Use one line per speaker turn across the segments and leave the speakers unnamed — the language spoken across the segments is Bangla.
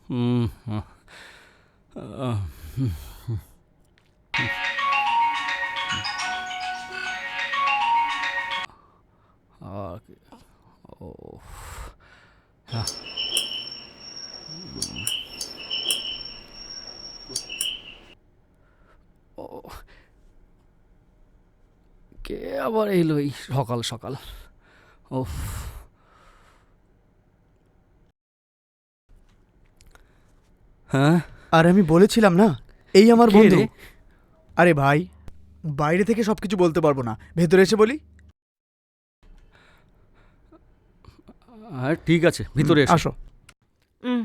হুম, আহ, আহ, হুম, আহ, ও আহ, ও, কে আবার এলো এই সকাল সকাল? ও, হ্যাঁ,
আর আমি বলেছিলাম না, এই আমার
কে
বন্ধু।
রে?
আরে ভাই, বাইরে থেকে সবকিছু বলতে পারবো না, ভেতরে এসে বলি।
হ্যাঁ ঠিক আছে, ভিতরে এসো।
আসো।
হুম।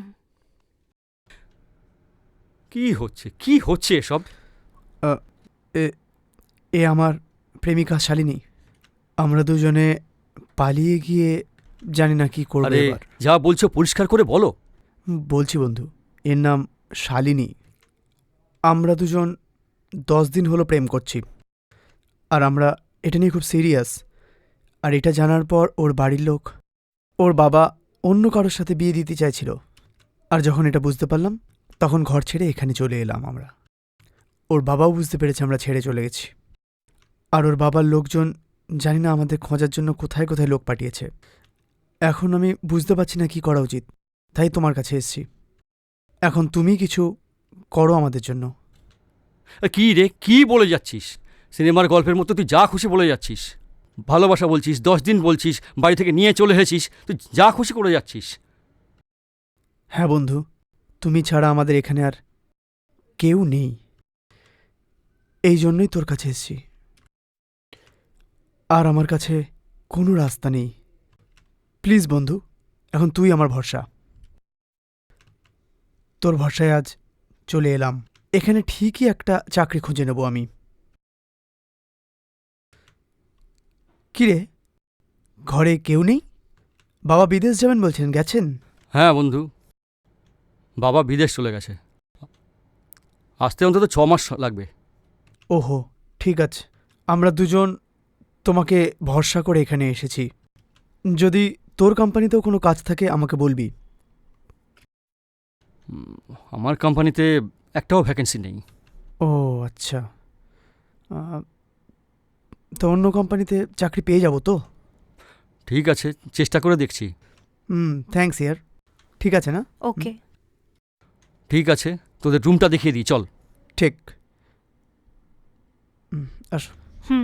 কি হচ্ছে, কি হচ্ছে এসব?
আহ, এ এ আমার প্রেমিকা শালিনী। আমরা দুজনে পালিয়ে গিয়ে জানি না কি করবো
আরে,
এবার।
যা বলছো পরিষ্কার করে বলো।
বলছি বন্ধু, এর নাম শালিনী। আমরা দুজন 10 দিন হলো প্রেম করছি, আর আমরা এটা নিয়ে খুব সিরিয়াস। আর এটা জানার পর ওর বাড়ির লোক, ওর বাবা অন্য কারোর সাথে বিয়ে দিতে চাইছিল। আর যখন এটা বুঝতে পারলাম, তখন ঘর ছেড়ে এখানে চলে এলাম আমরা। ওর বাবাও বুঝতে পেরেছে আমরা ছেড়ে চলে গেছি। আর ওর বাবার লোকজন জানি না আমাদের খোঁজার জন্য কোথায় কোথায় লোক পাঠিয়েছে। এখন আমি বুঝতে পারছি না কি করা উচিত, তাই তোমার কাছে এসেছি। এখন তুমি কিছু করো আমাদের জন্য।
কি রে, কি বলে যাচ্ছিস? সিনেমার গল্পের মতো তুই যা খুশি বলে যাচ্ছিস। ভালোবাসা বলছিস, 10 দিন বলছিস, বাড়ি থেকে নিয়ে চলে এসেছিস, তুই যা খুশি করে যাচ্ছিস।
হ্যাঁ বন্ধু, তুমি ছাড়া আমাদের এখানে আর কেউ নেই, এই জন্যই তোর কাছে এসেছি। আর আমার কাছে কোনো রাস্তা নেই। প্লিজ বন্ধু, এখন তুই আমার ভরসা। তোর ভরসায় আজ চলে এলাম। এখানে ঠিকই একটা চাকরি খুঁজে নেব আমি। কিরে, ঘরে কেউ নেই? বাবা বিদেশ যাবেন বলছেন, গেছেন?
হ্যাঁ বন্ধু, বাবা বিদেশ চলে গেছে, আসতে অন্তত 6 মাস লাগবে।
ওহো, ঠিক আছে। আমরা দুজন তোমাকে ভরসা করে এখানে এসেছি। যদি তোর কোম্পানিতেও কোনো কাজ থাকে আমাকে বলবি।
আমার কোম্পানিতে একটাও ভ্যাকেন্সি নেই।
ও আচ্ছা, আহ, তো অন্য কোম্পানিতে চাকরি পেয়ে যাব তো?
ঠিক আছে, চেষ্টা করে দেখছি।
থ্যাঙ্কস ইয়ার। ঠিক আছে না?
ওকে।
ঠিক আছে, তোদের রুমটা দেখিয়ে দিই, চল।
ঠিক। আসো।
হুম।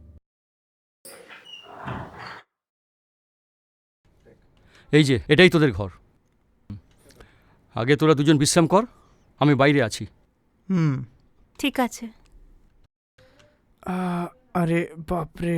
এই যে এটাই তোদের ঘর। আগে তোরা দুজন বিশ্রাম কর, আমি বাইরে আছি।
হুম।
ঠিক আছে।
আহ, আরে বাপরে।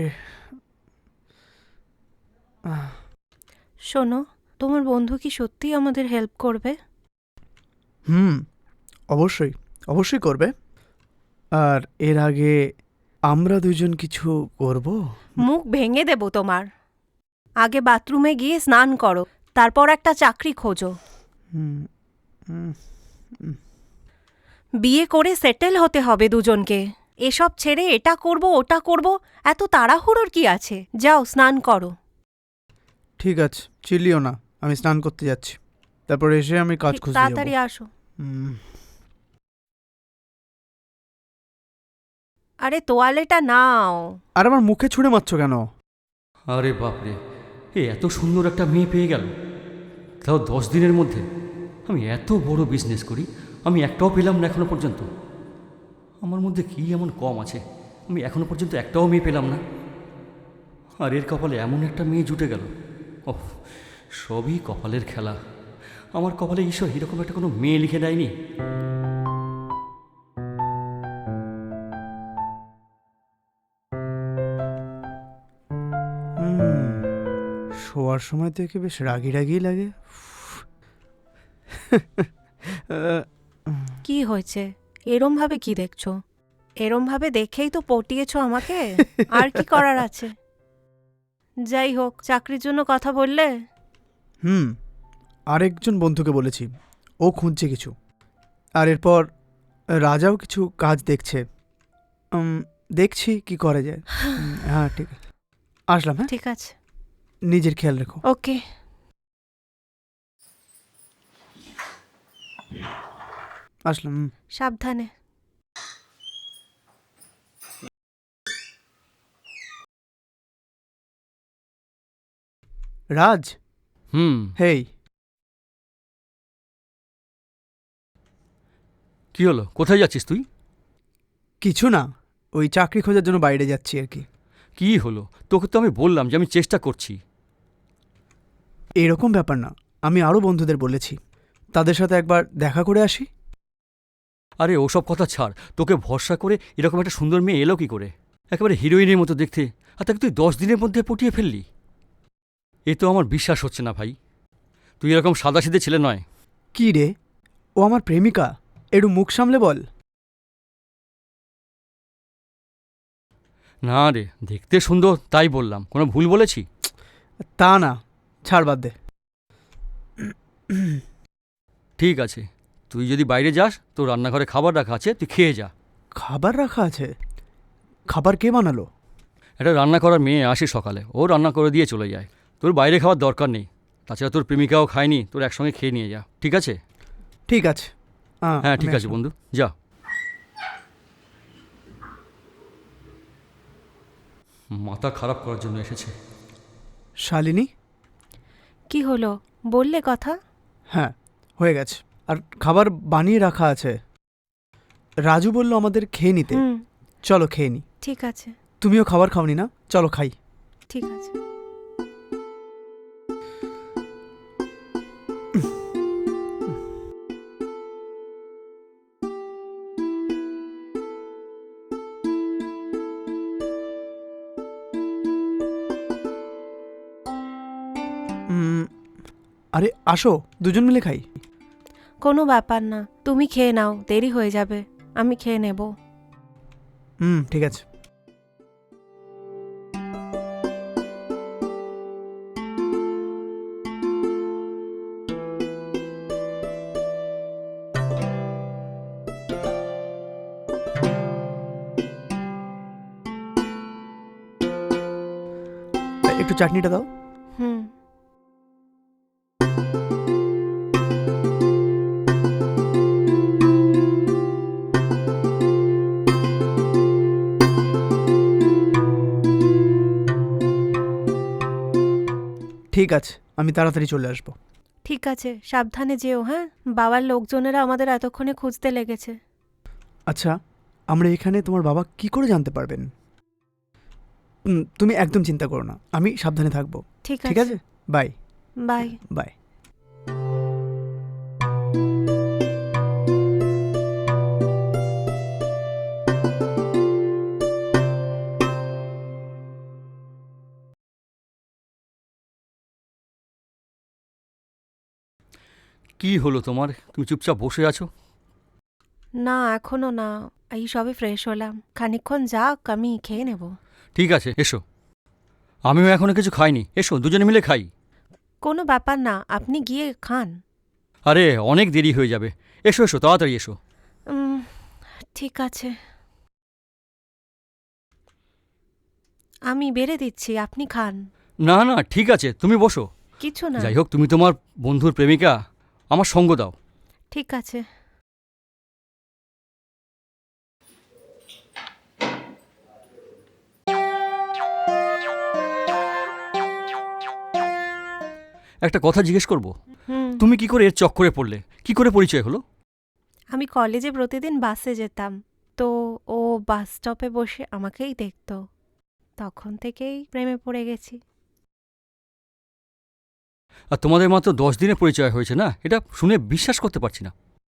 আহ,
শোনো, তোমার বন্ধু কি সত্যিই আমাদের হেল্প করবে?
হুম, অবশ্যই, অবশ্যই করবে। আর এর আগে আমরা দুজন কিছু করব।
মুখ ভেঙে দেব তোমার। আগে বাথরুমে গিয়ে স্নান করো, তারপর একটা চাকরি খোঁজো।
হুম, হুম,
বিয়ে করে সেটেল হতে হবে দুজনকে। এসব ছেড়ে এটা করব ওটা করব, এত তাড়াহুড়োর কি আছে? যাও স্নান করো।
ঠিক আছে, চিল্লিও না, আমি স্নান করতে যাচ্ছি। তারপর এসে আমি কাজ
ঠিক
খুঁজতে যাব।
তাড়াতাড়ি আসো।
হুম,
আরে তোয়ালেটা নাও।
আর আমার মুখে ছুঁড়ে মারছো কেন?
আরে বাপরে, এত সুন্দর একটা মেয়ে পেয়ে গেল, তাও 10 দিনের মধ্যে। আমি এত বড় বিজনেস করি, আমি একটাও পেলাম না এখনো পর্যন্ত। আমার মধ্যে কী এমন কম আছে, আমি এখনো পর্যন্ত একটাও মেয়ে পেলাম না। আর এর কপালে এমন একটা মেয়ে জুটে গেল। ওহ, সবই কপালের খেলা। আমার কপালে ঈশ্বর এরকম একটা কোনো মেয়ে লিখে দেয়নি।
হুম, শোয়ার সময় থেকে বেশ রাগি রাগি লাগে। আহ,
কি হয়েছে? এরম ভাবে কি দেখছো? এরম ভাবে দেখেই তো পটিয়েছো আমাকে। আর কি করার আছে? যাই হোক, চাকরির জন্য কথা বললে?
হুম, আরেকজন বন্ধুকে বলেছি, ও খুঁজছে কিছু। আর এরপর রাজাও কিছু কাজ দেখছে। দেখছি কি করা যায়। হ্যাঁ ঠিক আছে, আসলাম। হ্যাঁ,
ঠিক আছে।
নিজের খেয়াল রেখো।
ওকে।
আসলাম।
সাবধানে।
রাজ,
হুম।
হেই।
কি হলো, কোথায় যাচ্ছিস তুই?
কিছু না, ওই চাকরি খোঁজার জন্য বাইরে যাচ্ছি আর কি।
কি হলো? তোকে তো আমি বললাম যে আমি চেষ্টা করছি।
এরকম ব্যাপার না, আমি আরও বন্ধুদের বলেছি, তাদের সাথে একবার দেখা করে আসি।
আরে ওসব কথা ছাড়, তোকে ভরসা করে এরকম একটা সুন্দর মেয়ে এলো কি করে? একেবারে হিরোইনের মতো দেখতে, আর তাকে তুই 10 দিনের মধ্যে পটিয়ে ফেললি। এ তো আমার বিশ্বাস হচ্ছে না ভাই। তুই এরকম সাদাসিধে ছেলে নয়।
কি রে, ও আমার প্রেমিকা, একটু মুখ সামলে বল।
না রে, দেখতে সুন্দর তাই বললাম, কোনো ভুল বলেছি?
তা না, ছাড়, বাদ দে।
ঠিক আছে, তুই যদি বাইরে যাস তোর রান্নাঘরে খাবার রাখা আছে, তুই খেয়ে যা।
খাবার রাখা আছে? খাবার কে বানালো?
একটা রান্না করার মেয়ে আসে সকালে, ও রান্না করে দিয়ে চলে যায়। তোর বাইরে খাওয়ার দরকার নেই। তাছাড়া তোর প্রেমিকাও খায়নি, তোর একসঙ্গে খেয়ে নিয়ে যা, ঠিক আছে?
ঠিক আছে।
হ্যাঁ ঠিক
আমি
আছে
আসলাম।
বন্ধু, যা। মাথা খারাপ করার জন্য এসেছে।
শালিনী।
কি হলো, বললে কথা?
হ্যাঁ, হয়ে গেছে। আর খাবার বানিয়ে রাখা আছে। রাজু বলল আমাদের খেয়ে নিতে।
হুম,
চলো খেয়ে নি।
ঠিক আছে।
তুমিও খাবার খাওনি না? চলো খাই।
ঠিক আছে।
উম, আরে আসো, দুজন মিলে খাই।
কোনো ব্যাপার না, তুমি খেয়ে নাও, দেরি হয়ে যাবে। আমি খেয়ে নেব।
ঠিক আছে। একটু চাটনিটা দাও।
হুম।
ঠিক আছে, আমি তাড়াতাড়ি চলে আসবো।
ঠিক আছে, সাবধানে যেও। হ্যাঁ, বাবার লোকজনেরা আমাদের এতক্ষণে খুঁজতে লেগেছে।
আচ্ছা, আমরা এখানে তোমার বাবা কি করে জানতে পারবেন? তুমি একদম চিন্তা করো না, আমি সাবধানে থাকবো।
ঠিক
ঠিক
আছে,
আছে, বাই।
বাই।
বাই।
কি হলো তোমার, তুমি চুপচাপ বসে আছো?
না, এখনো না, এই সবে ফ্রেশ হলাম। খানিকক্ষণ যাক, আমি খেয়ে নেব।
ঠিক আছে এসো। আমিও এখনো কিছু খাইনি, এসো দুজনে মিলে খাই।
কোনো ব্যাপার না, আপনি গিয়ে খান।
আরে অনেক দেরি হয়ে যাবে, এসো এসো তাড়াতাড়ি এসো।
উম, ঠিক আছে, আমি বেড়ে দিচ্ছি, আপনি খান।
না না ঠিক আছে, তুমি বসো।
কিছু না।
যাই হোক, তুমি তোমার বন্ধুর প্রেমিকা, আমার সঙ্গ দাও।
ঠিক আছে।
একটা কথা জিজ্ঞেস করব,
হুম।
তুমি কি করে এর চক্করে পড়লে, কি করে পরিচয় হলো?
আমি কলেজে প্রতিদিন বাসে যেতাম, তো ও বাস স্টপে বসে আমাকেই দেখতো। তখন থেকেই প্রেমে পড়ে গেছি।
আর তোমাদের মাত্র 10 দিনে পরিচয় হয়েছে না, এটা শুনে বিশ্বাস করতে পারছি না।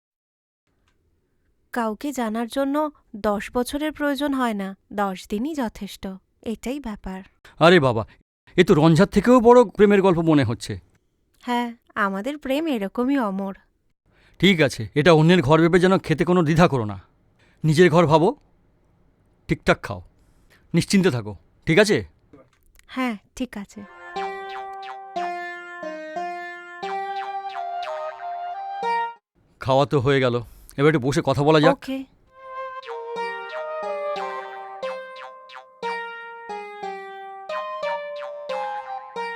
কাউকে জানার জন্য 10 বছরের প্রয়োজন হয় না, 10 দিনই যথেষ্ট। এটাই ব্যাপার।
আরে বাবা, এ তো রঞ্জার থেকেও বড় প্রেমের গল্প মনে হচ্ছে।
হ্যাঁ, আমাদের প্রেম এরকমই অমর।
ঠিক আছে, এটা অন্যের ঘর ভেবে যেন খেতে কোনো দ্বিধা করো না। নিজের ঘর ভাবো, ঠিকঠাক খাও, নিশ্চিন্তে থাকো, ঠিক আছে?
হ্যাঁ, ঠিক আছে।
খাওয়া তো হয়ে গেল, এবার একটু বসে কথা বলা যাক।
ওকে।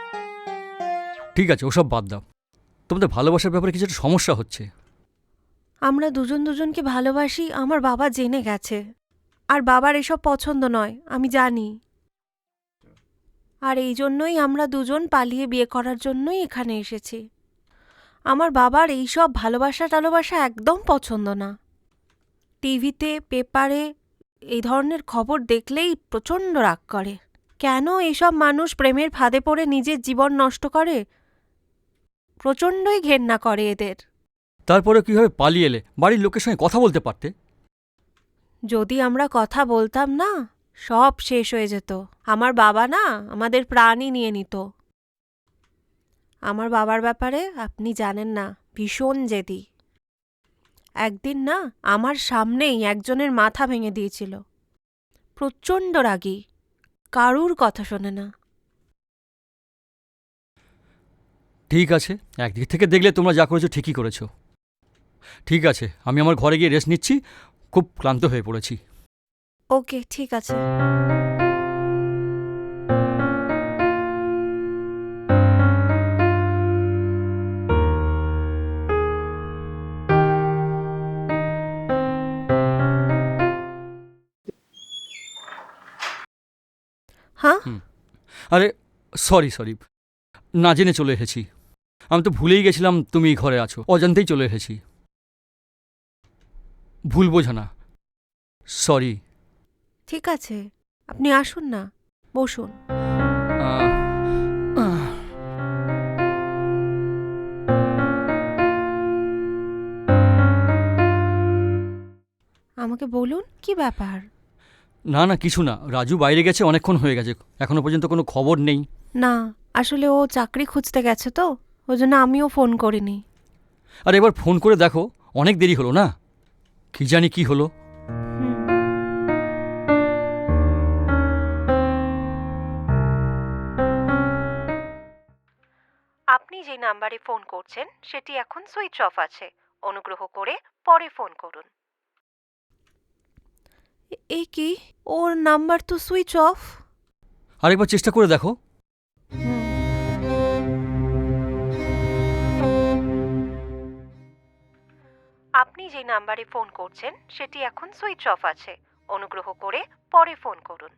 ঠিক আছে, ওসব বাদ দাও। তোমাদের ভালোবাসার ব্যাপারে কিছু একটা সমস্যা হচ্ছে।
আমরা দুজন দুজনকে ভালোবাসি আমার বাবা জেনে গেছে। আর বাবার এসব পছন্দ নয়, আমি জানি। আর এই জন্যই আমরা দুজন পালিয়ে বিয়ে করার জন্যই এখানে এসেছি। আমার বাবার এইসব ভালোবাসা টালোবাসা একদম পছন্দ না। টিভিতে, পেপারে এই ধরনের খবর দেখলেই প্রচণ্ড রাগ করে। কেন এসব মানুষ প্রেমের ফাঁদে পড়ে নিজের জীবন নষ্ট করে, প্রচণ্ডই ঘেন্না করে এদের।
তারপরে কীভাবে পালিয়ে এলে? বাড়ির লোকের সঙ্গে কথা বলতে পারতে।
যদি আমরা কথা বলতাম না, সব শেষ হয়ে যেত। আমার বাবা না আমাদের প্রাণই নিয়ে নিত। আমার বাবার ব্যাপারে আপনি জানেন না, ভীষণ জেদি। একদিন না আমার সামনেই একজনের মাথা ভেঙে দিয়েছিল। প্রচণ্ড রাগী, কারুর কথা শোনে না।
ঠিক আছে, একদিক থেকে দেখলে তোমরা যা করেছো ঠিকই করেছো। ঠিক আছে, আমি আমার ঘরে গিয়ে রেস্ট নিচ্ছি, খুব ক্লান্ত হয়ে পড়েছি।
ওকে, ঠিক আছে। হ্যাঁ,
আরে সরি সরি, না জেনে চলে এসেছি। আমি তো ভুলেই গেছিলাম তুমি ঘরে আছো, অজান্তেই চলে এসেছি। ভুল বোঝো না, সরি।
ঠিক আছে, আপনি আসুন না, বসুন। আমাকে বলুন কি ব্যাপার।
না না, কিছু না। রাজু বাইরে গেছে, অনেকক্ষণ হয়ে গেছে, এখনো পর্যন্ত কোনো খবর নেই।
না, আসলে ও চাকরি খুঁজতে গেছে তো, ওই জন্য আমিও ফোন করিনি।
আর এবার ফোন করে দেখো, অনেক দেরি হলো না? কি জানি কি হলো।
হুম। আপনি যে নাম্বারে ফোন করছেন সেটি এখন সুইচ অফ আছে, অনুগ্রহ করে পরে ফোন করুন। এ কি, ওর নাম্বার তো সুইচ অফ।
আরেকবার চেষ্টা করে দেখো।
আপনি যে নাম্বারে ফোন করছেন সেটি এখন সুইচ অফ আছে, অনুগ্রহ করে পরে ফোন করুন।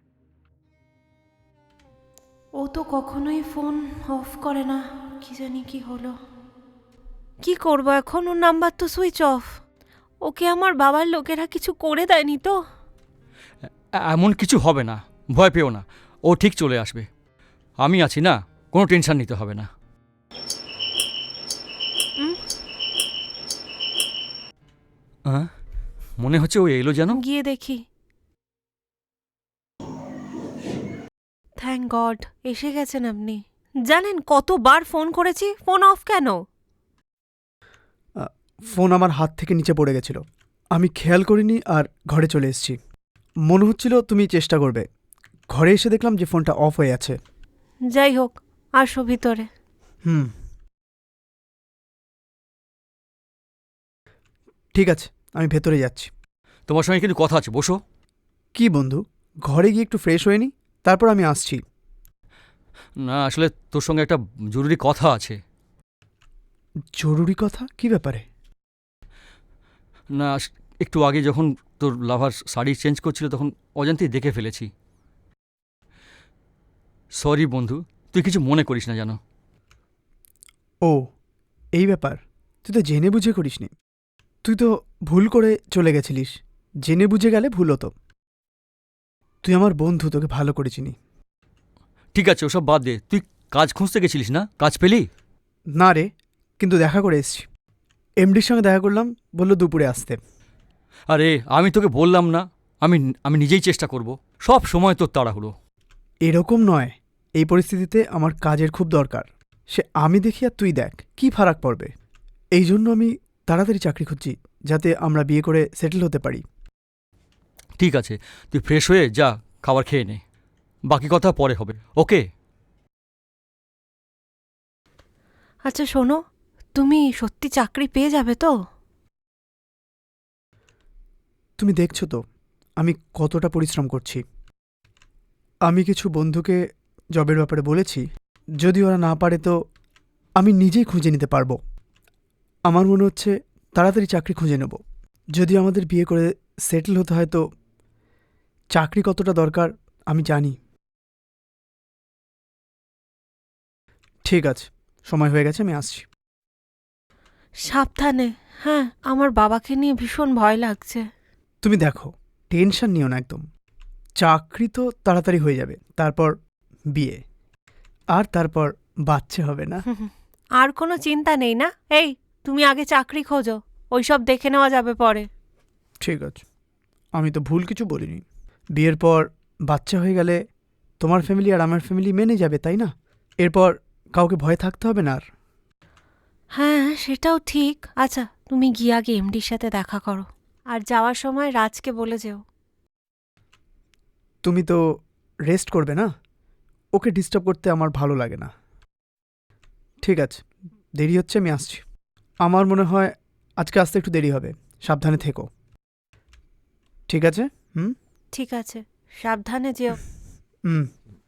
ও তো কখনোই ফোন অফ করে না, কি জানি কি হলো। কি করব এখন, ওর নাম্বার তো সুইচ অফ। ওকে আমার বাবার লোকেরা কিছু করে দেয়নি তো?
এমন কিছু হবে না, ভয় পেও না, ও ঠিক চলে আসবে। আমি আছি না, কোনো টেনশন নিতে হবে না। হ্যাঁ, মনে হচ্ছে ও এলো যেন।
গিয়ে দেখি। থ্যাংক গড, এসে গেছেন আপনি। জানেন কতবার ফোন করেছি, ফোন অফ কেন?
ফোন আমার হাত থেকে নিচে পড়ে গেছিল, আমি খেয়াল করিনি আর ঘরে চলে এসেছি। মনে হচ্ছিল তুমি চেষ্টা করবে। ঘরে এসে দেখলাম যে ফোনটা অফ হয়ে আছে।
যাই হোক, আসো ভিতরে।
হুম, ঠিক আছে, আমি ভেতরে যাচ্ছি।
তোমার সঙ্গে কিন্তু কথা আছে, বসো।
কি বন্ধু, ঘরে গিয়ে একটু ফ্রেশ হয়ে নি, তারপর আমি আসছি।
না, আসলে তোর সঙ্গে একটা জরুরি কথা আছে।
জরুরি কথা? কি ব্যাপারে?
না, একটু আগে যখন তোর লাভার শাড়ি চেঞ্জ করছিল তখন অজান্তেই দেখে ফেলেছি। সরি বন্ধু, তুই কিছু মনে করিস না জানো।
ও, এই ব্যাপার। তুই তো জেনে বুঝে করিসনি। তুই তো ভুল করে চলে গেছিলিস। জেনে বুঝে গেলে ভুল হতো। তুই আমার বন্ধু, তোকে ভালো করে চিনি।
ঠিক আছে, ওসব বাদ দে। তুই কাজ খুঁজতে গেছিলিস না? কাজ পেলি?
না রে, কিন্তু দেখা করে এসছি। এমডির সঙ্গে দেখা করলাম, বললো দুপুরে আসতে।
আরে আমি তোকে বললাম না, আমি আমি নিজেই চেষ্টা করব। সব সময় তোর তাড়াহুড়ো।
এরকম নয়, এই পরিস্থিতিতে আমার কাজের খুব দরকার। সে আমি দেখি আর তুই দেখ, কি ফারাক পড়বে। এই জন্য আমি তাড়াতাড়ি চাকরি খুঁজছি, যাতে আমরা বিয়ে করে সেটেল হতে পারি।
ঠিক আছে, তুই ফ্রেশ হয়ে যা, খাবার খেয়ে নে। বাকি কথা পরে হবে, ওকে?
আচ্ছা শোনো, তুমি সত্যি চাকরি পেয়ে যাবে তো?
তুমি দেখছো তো আমি কতটা পরিশ্রম করছি। আমি কিছু বন্ধুকে জবের ব্যাপারে বলেছি, যদি ওরা না পারে তো আমি নিজেই খুঁজে নিতে পারবো। আমার মনে হচ্ছে তাড়াতাড়ি চাকরি খুঁজে নেব। যদি আমাদের বিয়ে করে সেটেল হতে হয় তো চাকরি কতটা দরকার আমি জানি। ঠিক আছে, সময় হয়ে গেছে, আমি আসছি।
সাবধানে। হ্যাঁ, আমার বাবাকে নিয়ে ভীষণ ভয় লাগছে।
তুমি দেখো, টেনশন নিও না একদম। চাকরি তো তাড়াতাড়ি হয়ে যাবে, তারপর বিয়ে, আর তারপর বাচ্চা হবে না?
আর কোনো চিন্তা নেই না? এই, তুমি আগে চাকরি খোঁজো, ওইসব দেখে নেওয়া যাবে পরে।
ঠিক আছে, আমি তো ভুল কিছু বলিনি। বিয়ের পর বাচ্চা হয়ে গেলে তোমার ফ্যামিলি আর আমার ফ্যামিলি মেনে যাবে, তাই না? এরপর কাউকে ভয় থাকতে হবে না আর।
হ্যাঁ, সেটাও ঠিক। আচ্ছা, তুমি গিয়ে আগে এমডির সাথে দেখা করো, আর যাওয়ার সময় রাজকে বলে যেও।
তুমি তো রেস্ট করবে না, ওকে ডিস্টার্ব করতে আমার ভালো লাগে না। ঠিক আছে, দেরি হচ্ছে, আমি আসছি। আমার মনে হয় আজকে আসতে একটু দেরি হবে, সাবধানে থেকো। ঠিক আছে?
ঠিক আছে, সাবধানে যেও।
হুম।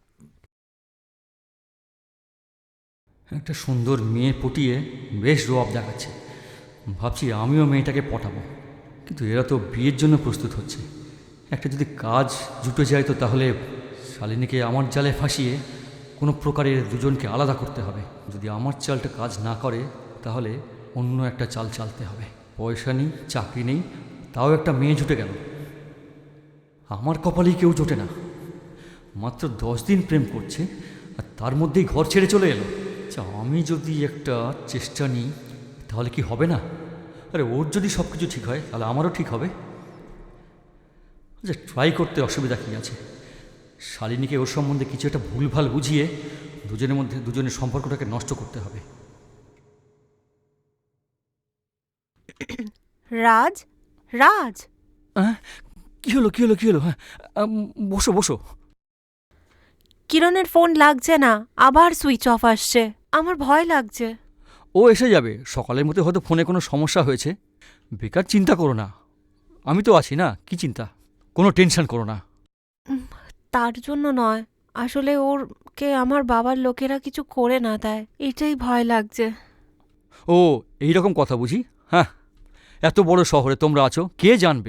একটা সুন্দর মেয়ে পটিয়ে বেশ রোয়াব দেখাচ্ছে। ভাবছি আমিও মেয়েটাকে পটাবো, কিন্তু এরা তো বিয়ের জন্য প্রস্তুত হচ্ছে। একটা যদি কাজ জুটে যায় তো তাহলে শালিনীকে আমার জালে ফাঁসিয়ে কোনো প্রকারে দুজনকে আলাদা করতে হবে। যদি আমার চালটা কাজ না করে তাহলে অন্য একটা চাল চালতে হবে। পয়সা নেই, চাকরি নেই, তাও একটা মেয়ে জুটে গেল। আমার কপালেই কেউ জোটে না। মাত্র 10 দিন প্রেম করছে আর তার মধ্যেই ঘর ছেড়ে চলে এলো। আচ্ছা, আমি যদি একটা চেষ্টা নিই তাহলে কি হবে না? আরে ওর যদি সব কিছু ঠিক হয় তাহলে আমারও ঠিক হবে। আচ্ছা, ট্রাই করতে অসুবিধা কী আছে? শালিনীকে ওর সম্বন্ধে কিছু একটা ভুলভাল বুঝিয়ে দুজনের মধ্যে দুজনের সম্পর্কটাকে নষ্ট করতে হবে।
রাজ, রাজ,
হ্যাঁ, কী হলো কী হলো কী হলো? হ্যাঁ, বসো বসো।
কিরণের ফোন লাগছে না, আবার সুইচ অফ আসছে। আমার ভয় লাগছে।
ও এসে যাবে, সকালের মধ্যে হয়তো ফোনে কোনো সমস্যা হয়েছে। বেকার চিন্তা করো না, আমি তো আছি না, কি চিন্তা, কোনো টেনশন করো না।
তার জন্য নয়, আসলে ওরকে আমার বাবার লোকেরা কিছু করে না দেয়, এটাই ভয় লাগছে।
ও এই রকম কথা বুঝি? হ্যাঁ, এত বড় শহরে তোমরা আছো, কে জানবে?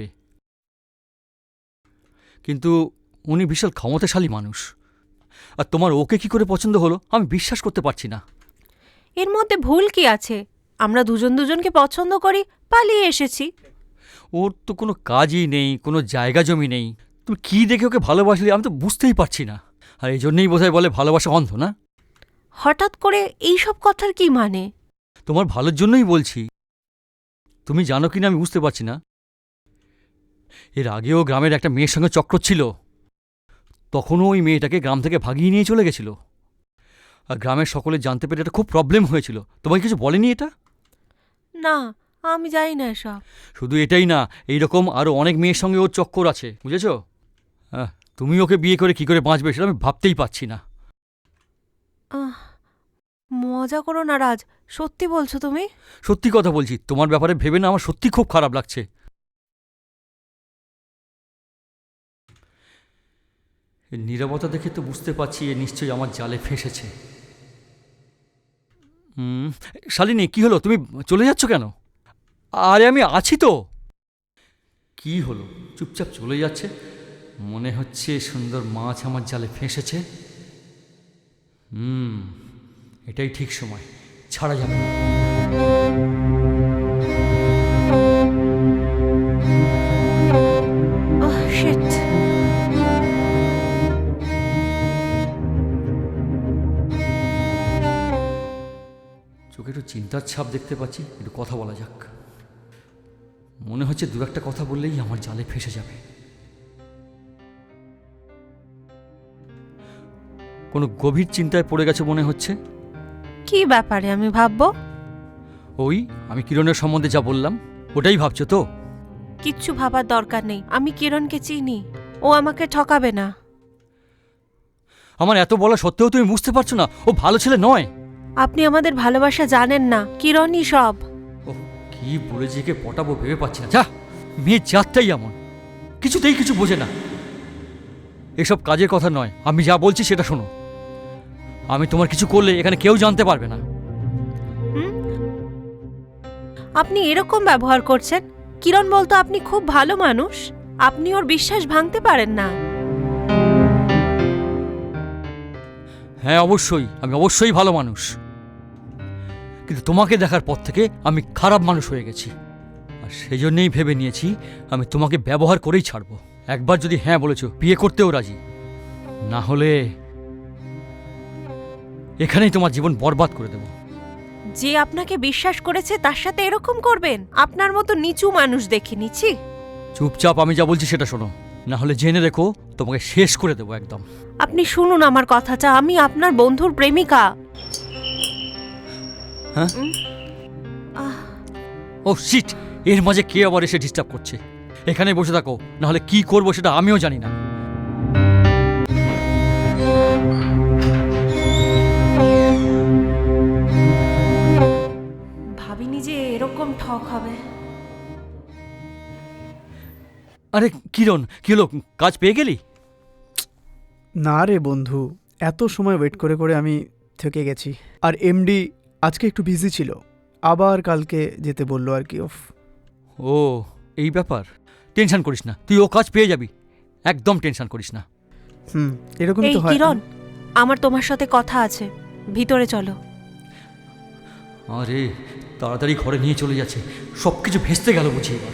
কিন্তু উনি বিশাল ক্ষমতাশালী মানুষ, আর তোমার ওকে কি করে পছন্দ হলো আমি বিশ্বাস করতে পারছি না।
এর মধ্যে ভুল কি আছে? আমরা দুজন দুজনকে পছন্দ করি, পালিয়ে এসেছি।
ওর তো কোনো কাজই নেই, কোনো জায়গা জমি নেই, তুমি কী দেখে ওকে ভালোবাসলে আমি তো বুঝতেই পারছি না। আর এই জন্যেই বোধহয় বলে ভালোবাসা অন্ধ, না?
হঠাৎ করে এই সব কথার কি মানে?
তোমার ভালোর জন্যই বলছি। তুমি জানো কি না আমি বুঝতে পারছি না। এর আগেও গ্রামের একটা মেয়ের সঙ্গে চক্র ছিল, তখনও ওই মেয়েটাকে গ্রাম থেকে ভাগিয়ে নিয়ে চলে গেছিল। আর গ্রামের সকলে জানতে পেরে এটা খুব প্রবলেম হয়েছিল। তোমাকে কিছু বলেনি এটা?
না, আমি জানি না এসব।
শুধু এটাই না, এইরকম আরও অনেক মেয়ের সঙ্গে ওর চক্কর আছে, বুঝেছো? হ্যাঁ, তুমি ওকে বিয়ে করে কি করে বাঁচবে সেটা আমি ভাবতেই পারছি না।
মজা করো না রাজ, সত্যি বলছো তুমি?
সত্যি কথা বলছি, তোমার ব্যাপারে ভেবে না আমার সত্যি খুব খারাপ লাগছে। এর নীরবতা দেখে তো বুঝতে পারছি এ নিশ্চয়ই আমার জালে ফেঁসেছে। শালিনী, কি হলো, তুমি চলে যাচ্ছ কেন? আরে আমি আছি তো। কি হলো, চুপচাপ চলে যাচ্ছে? মনে হচ্ছে সুন্দর মাছ আমার জালে ফেঁসেছে। এটাই ঠিক সময়, ছাড়া যাবে না।
শিট।
চোখে একটু চিন্তার ছাপ দেখতে পাচ্ছি, একটু কথা বলা যাক। মনে হচ্ছে দু একটা কথা বললেই আমার জালে ফেঁসে যাবে। কোনো গভীর চিন্তায় পড়ে গেছে মনে হচ্ছে।
কি ব্যাপারে আমি ভাববো?
ওই আমি কিরণের সম্বন্ধে যা বললাম ওটাই ভাবছো তো?
কিচ্ছু ভাবার দরকার নেই, আমি কিরণকে চিনি, ও আমাকে ঠকাবে না।
আমার এত বলা সত্ত্বেও তুমি বুঝতে পারছো না ও ভালো ছেলে নয়?
আপনি আমাদের ভালোবাসা জানেন না, কিরণই সব।
ও কি বলে যে পটাবো ভেবে পাচ্ছি না। যা, মেয়ে জাতটাই এমন, কিছুতেই কিছু বোঝে না। এসব কাজের কথা নয়, আমি যা বলছি সেটা শোনো। আমি তোমার কিছু করলে এখানে কেউ জানতে পারবে না।
আপনি এরকম ব্যবহার করছেন? কিরণ বলতো আপনি খুব ভালো মানুষ, আপনি ওর বিশ্বাস ভাঙতে পারেন না।
হ্যাঁ অবশ্যই, আমি অবশ্যই ভালো মানুষ, কিন্তু তোমাকে দেখার পর থেকে আমি খারাপ মানুষ হয়ে গেছি। আর সেই জন্যেই ভেবে নিয়েছি আমি তোমাকে ব্যবহার করেই ছাড়বো। একবার যদি হ্যাঁ বলেছো, বিয়ে করতেও রাজি, না হলে এখানেই তোমার জীবন বরবাদ করে দেবো।
যে আপনাকে বিশ্বাস করেছে তার সাথে এরকম করবেন? আপনার মতো নিচু মানুষ দেখিনি, ছি।
চুপচাপ আমি যা বলছি সেটা শোনো, না হলে জেনে রেখো তোমাকে শেষ করে দেবো একদম।
আপনি শুনুন আমার কথাটা, আমি আপনার বন্ধুর প্রেমিকা।
হ্যাঁ?
আহ,
ও শিট, এর মাঝে কে আবার এসে ডিস্টার্ব করছে? এখানে বসে থাকো, না হলে কি করবো সেটা আমিও জানি না।
ভাবিনি যে এরকম ঠক হবে।
আরে কিরণ, কি হলো, কাজ পেয়ে গেলি?
না রে বন্ধু, এত সময় ওয়েট করে করে আমি থেকে গেছি। আর এমডি আজকে একটু বিজি ছিল, আবার কালকে যেতে বললো আর কি। অফ।
ও এই ব্যাপার, টেনশন করিস না, তুই ও কাজ পেয়ে যাবি, একদম টেনশন করিস না।
এরকমই
এই
তো হয়।
কিরণ, আমার তোমার সাথে কথা আছে, ভিতরে চলো।
আরে তাড়াতাড়ি ঘরে নিয়ে চলে যাচ্ছে, সব কিছু ভেস্তে গেল বুঝি এবার।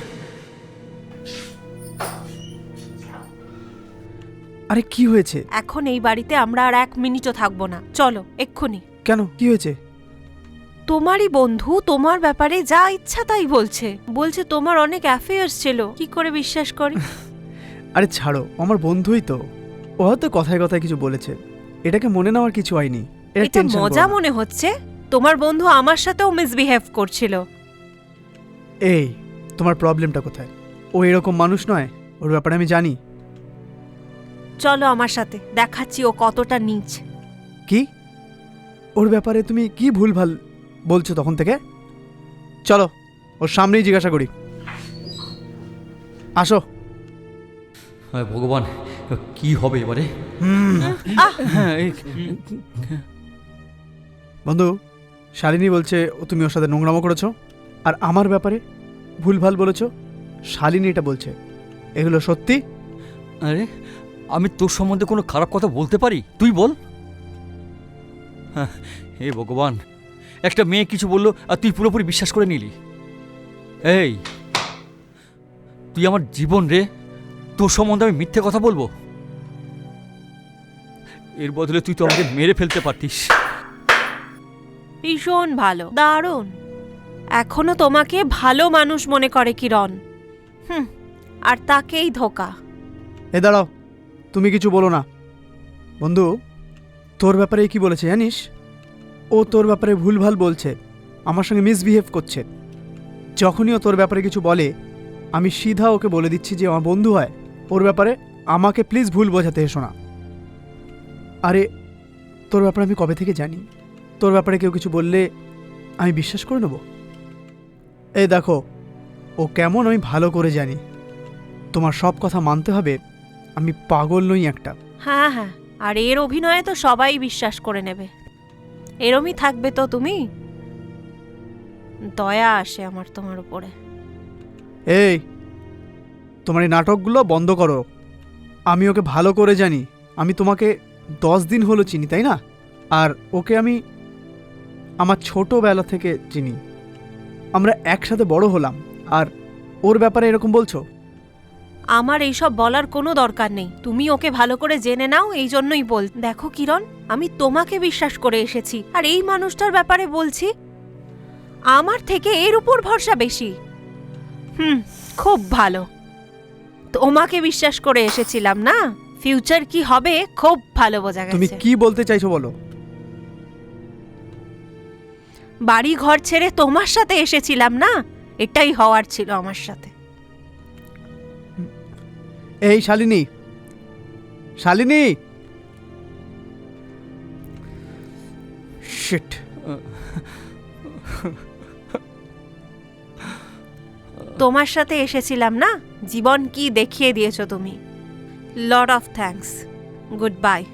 আরে কি হয়েছে?
এখন এই বাড়িতে আমরা আর 1 মিনিটও থাকবো না, চলো এক্ষুনি।
কেন, কি হয়েছে?
তোমারই বন্ধু তোমার ব্যাপারে যা ইচ্ছা তাই বলছে, বলছে তোমার অনেক অ্যাফেয়ার্স ছিল। কি করে বিশ্বাস করি?
আরে ছাড়ো, আমার বন্ধুই তো, ও হয়তো কথায় কথায় কিছু বলেছে, এটাকে মনে নেওয়ার কিছু হয়নি।
এটা মজা মনে হচ্ছে? তোমার বন্ধু আমার সাথেও মিসবিহেভ করছিল।
এই, তোমার প্রবলেমটা কোথায়? ও এরকম মানুষ নয়, ওর ব্যাপারে আমি জানি।
চলো আমার সাথে, দেখাচ্ছি ও কতটা নীচ।
কি? ওর ব্যাপারে তুমি কি ভুলভাল বলছো তখন থেকে? চলো ওর সামনেই জিজ্ঞাসা করি, আসো।
হ্যাঁ ভগবান, কি হবে এবারে?
আহ!
হ্যাঁ
বন্ধু, শালিনী বলছে তুমি ওর সাথে নোংরামো করেছো আর আমার ব্যাপারে ভুলভাল বলেছো। শালিনী এটা বলছে, এগুলো সত্যি?
আরে আমি তোর সম্বন্ধে কোনো খারাপ কথা বলতে পারি? তুই বল। হ্যাঁ, হে ভগবান, একটা মেয়ে কিছু বললো আর তুই পুরোপুরি বিশ্বাস করে নিলি। এই তুই আমার জীবন রে, তোর সম্বন্ধে আমি মিথ্যে কথা বলবো? এর বদলে তুই তো আমাকে মেরে ফেলতে পারতিস।
ভীষণ ভালো, দারুণ। এখনো তোমাকে ভালো মানুষ মনে করে কিরণ। আর তাকেই ধোকা।
এ দাঁড়াও, তুমি কিছু বলো না। বন্ধু, তোর ব্যাপারে কি বলেছে জানিস? ও তোর ব্যাপারে ভুলভাল বলছে, আমার সঙ্গে মিসবিহেভ করছে। যখনই ও তোর ব্যাপারে কিছু বলে, আমি সিধা ওকে বলে দিচ্ছি যে আমার বন্ধু হয়, ওর ব্যাপারে আমাকে প্লিজ ভুল বোঝাতে এসো না। আরে তোর ব্যাপারে আমি কবে থেকে জানি? তোর ব্যাপারে কেউ কিছু বললে আমি বিশ্বাস করে নেব? এই দেখো, ও কেমন আমি ভালো করে জানি। তোমার সব কথা মানতে হবে, আমি পাগল নই একটা।
হ্যাঁ হ্যাঁ, আর এর অভিনয়ে তো সবাই বিশ্বাস করে নেবে। এরমই থাকবে তো তুমি? দয়া আসে আমার তোমার উপরে।
এই, তোমার এই নাটকগুলো বন্ধ করো। আমি ওকে ভালো করে জানি, আমি তোমাকে 10 দিন হলো চিনি, তাই না? আর ওকে আমি আমার ছোটোবেলা থেকে চিনি, আমরা একসাথে বড় হলাম, আর ওর ব্যাপারে এরকম বলছো?
আমার এইসব বলার কোনো দরকার নেই, তুমি ওকে ভালো করে জেনে নাও, এই জন্যই বল। দেখো কিরণ, আমি তোমাকে বিশ্বাস করে এসেছি, আর এই মানুষটার ব্যাপারে বলছি, আমার থেকে এর উপর ভরসা বেশি। খুব ভালো। তোমাকে বিশ্বাস করে এসেছিলাম না, ফিউচার কি হবে খুব ভালো বোঝা
তুমি
গেছে।
কি বলতে চাইছো বলো?
বাড়ি ঘর ছেড়ে তোমার সাথে এসেছিলাম না, এটাই হওয়ার ছিল আমার সাথে।
এই শালিনী, শালিনী, শিট।
তোমার সাথে এসেছিলাম না, জীবন কি দেখিয়ে দিয়েছো তুমি। Lot of thanks, good bye.